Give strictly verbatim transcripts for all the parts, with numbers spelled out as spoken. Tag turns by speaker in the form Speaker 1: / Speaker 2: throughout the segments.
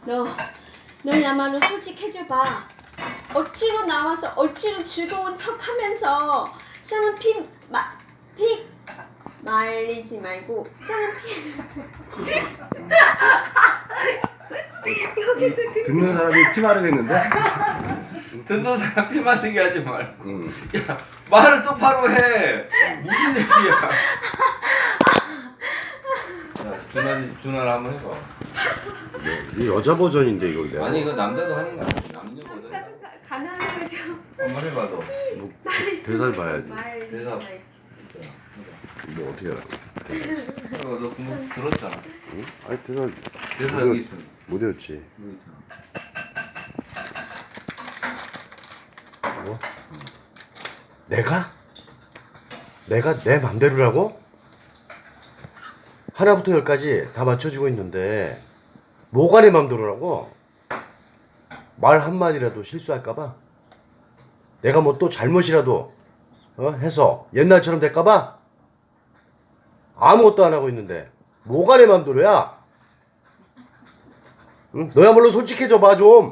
Speaker 1: 너, 너야말로 솔직해져봐. 억지로 나와서 억지로 즐거운 척하면서 사람 피, 마, 피 말리지 말고 사람 피 여기서
Speaker 2: 듣는 사람이 피 마르겠는데?
Speaker 3: 듣는 사람 피 말리게 하지 말고.
Speaker 2: 응.
Speaker 3: 야, 말을 똑바로 해. 무슨 얘기야? 자, 준환이 준환 한번 해봐.
Speaker 2: 이 여자 버전인데 이걸 내가.
Speaker 3: 아니 이거 남자도 하는 거야. 남녀 버전.
Speaker 1: 가난하죠.
Speaker 3: 한번 해봐 너.
Speaker 2: 뭐, 대사를 봐야지.
Speaker 1: 말리지
Speaker 3: 대사.
Speaker 1: 말고.
Speaker 2: 뭐 어떻게 알아?
Speaker 3: 어, 너 그거 들었잖아.
Speaker 2: 응? 아니 대사
Speaker 3: 대사 여기 있어.
Speaker 2: 못 외웠지.
Speaker 3: 여기 있잖아.
Speaker 2: 뭐? 내가? 내가 내 맘대로라고? 하나부터 열까지 다 맞춰주고 있는데 뭐가 내 맘대로라고? 말 한마디라도 실수할까봐? 내가 뭐 또 잘못이라도 어? 해서 옛날처럼 될까봐? 아무것도 안 하고 있는데 뭐가 내 맘대로야? 응? 너야말로 솔직해져 봐 좀.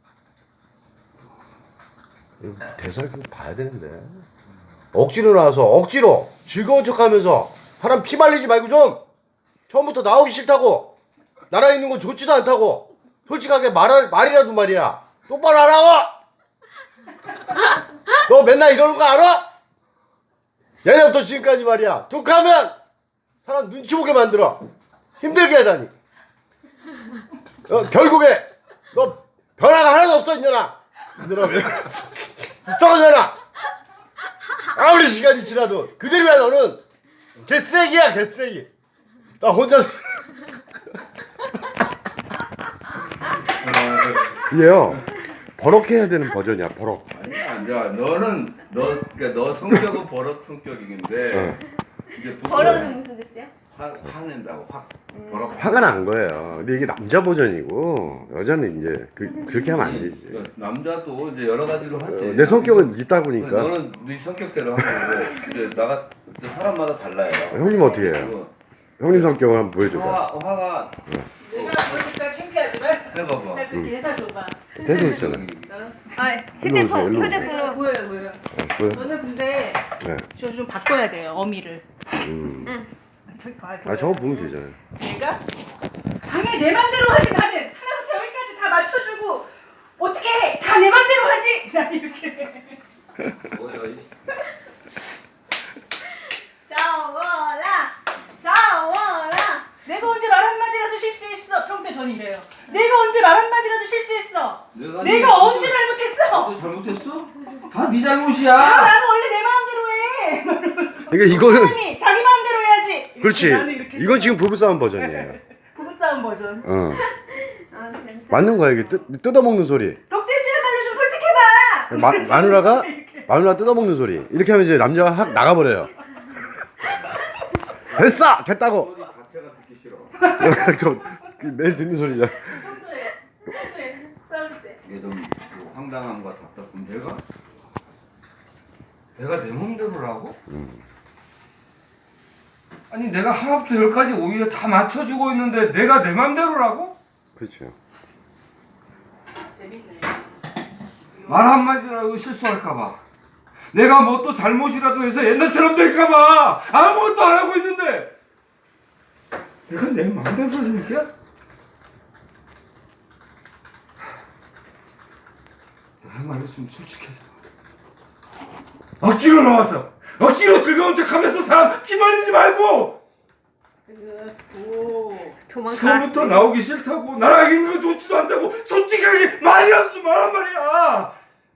Speaker 2: 대사를 좀 봐야 되는데 억지로 나와서 억지로 즐거운 척하면서 사람 피 말리지 말고 좀. 처음부터 나오기 싫다고 나라 있는 건 좋지도 않다고 솔직하게 말, 말이라도 말이야 똑바로 하라고. 너 맨날 이러는 거 알아? 예전부터 지금까지 말이야 툭하면 사람 눈치 보게 만들어 힘들게 하다니. 어, 결국에 너 변화가 하나도 없어 이년아. 이년아 왜 썩어져라. 아무리 시간이 지나도 그대로야. 너는 개쓰레기야 개쓰레기. 나 혼자서 이게요 버럭 해야 되는 버전이야 버럭.
Speaker 3: 아니야, 아니야. 너는 너 그러니까 너 성격은 버럭 성격인데
Speaker 2: 어.
Speaker 3: 이제 부부는
Speaker 1: 버러는 무슨 뜻이야?
Speaker 3: 화 화낸다고 확 버럭.
Speaker 2: 화가 난 거예요. 근데 이게 남자 버전이고 여자는 이제 그, 그렇게 하면 안 되지.
Speaker 3: 그러니까 남자도 이제 여러 가지로 하지.
Speaker 2: 어, 내 성격은 있다 보니까.
Speaker 3: 너는 네 성격대로 하는 거고 이제 나가 사람마다 달라요.
Speaker 2: 형님 어떻게 해요? 형님 성격을 한번 보여줘봐.
Speaker 3: 화 화가
Speaker 4: 내가 보니까 창피하지만
Speaker 3: 해봐봐.
Speaker 4: 나 그렇게 해다 줘봐.
Speaker 2: 대도 있잖아.
Speaker 4: 어?
Speaker 1: 아,
Speaker 2: 일로 오세요, 일로 오세요.
Speaker 4: 휴대폰으로 보여요, 보여요.
Speaker 2: 어, 보여?
Speaker 4: 저는 근데
Speaker 2: 네.
Speaker 4: 저 좀 바꿔야 돼요, 어미를.
Speaker 2: 음.
Speaker 4: 저기 봐,
Speaker 2: 아 저거 보면 되잖아요.
Speaker 4: 내가 당연히 내 맘대로 하지 나는 하나부터 열까지 다 맞춰주고 어떻게 해? 다 내 맘대로 하지? 나 이렇게.
Speaker 3: 뭐야 이
Speaker 1: 싸워라, 싸워라.
Speaker 4: 내가 언제 말 한마디라도 실수했어? 평소에 전 이래요. 내가 언제 말 한마디라도 실수했어?
Speaker 3: 내가
Speaker 4: 내가
Speaker 3: 네
Speaker 4: 언제 잘못했어?
Speaker 3: 너도 잘못했어? 다 네 잘못이야.
Speaker 4: 아, 나는 원래 내 마음대로 해.
Speaker 2: 그러니까 이거는
Speaker 4: 사람이 자기 마음대로 해야지. 이렇게
Speaker 2: 그렇지.
Speaker 4: 나는 이렇게
Speaker 2: 이건 지금 부부싸움 버전이에요.
Speaker 4: 부부싸움 버전.
Speaker 2: 어.
Speaker 1: 아, 재밌다.
Speaker 2: 맞는 거야 이게 뜯, 뜯어먹는 소리.
Speaker 4: 덕재 씨야말로 좀 솔직해봐.
Speaker 2: 마, 마누라가 마누라 뜯어먹는 소리. 이렇게 하면 이제 남자가 확 나가버려요. 됐어 됐다고.
Speaker 3: 소리 자체가 듣기 싫어.
Speaker 2: 저 그, 매일 듣는 소리잖아.
Speaker 4: 평소에 평소에 싸울 때.
Speaker 3: 이게 좀 그 황당함과 답답함. 내가 내가 내 맘대로라고?
Speaker 2: 음.
Speaker 3: 아니 내가 하나부터 열까지 오히려 다 맞춰주고 있는데 내가 내 맘대로라고?
Speaker 2: 그렇죠.
Speaker 4: 재밌네.
Speaker 3: 말 한마디라도 실수할까봐 내가 뭐 또 잘못이라도 해서 옛날처럼 될까봐 아무것도 안 하고 있는데 내가 내 맘대로 하는 거야? 너의 말이 좀 솔직해져. 억지로 나왔어. 억지로 즐거운 척하면서 사람 피 말리지 말고
Speaker 4: 오.
Speaker 1: 도망가.
Speaker 3: 처음부터 나오기 싫다고 나랑 있는 거 좋지도 않다고 솔직하게 말이라도 좀 말한 말이야.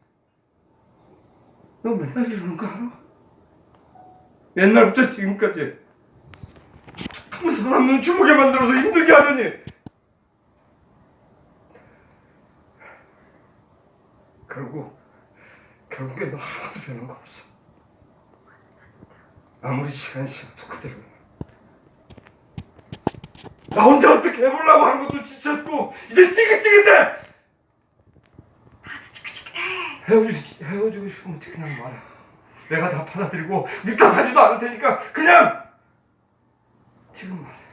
Speaker 3: 너 맨날 이러는 거 알아? 옛날부터 지금까지 한 사람 눈치 보게 만들어서 힘들게 하더니 결국 결국에 너 하나도 변한 거 없어. 아무리 시간이 지나도 그대로. 나 혼자 어떻게 해보려고 하는 것도 지쳤고 이제 찌긋찌긋해.
Speaker 1: 나도 찌긋찌긋해.
Speaker 3: 헤어지, 헤어지고 싶으면 그냥 말해. 내가 다 받아들이고 네 탓하지도 않을 테니까 그냥 지금 말해.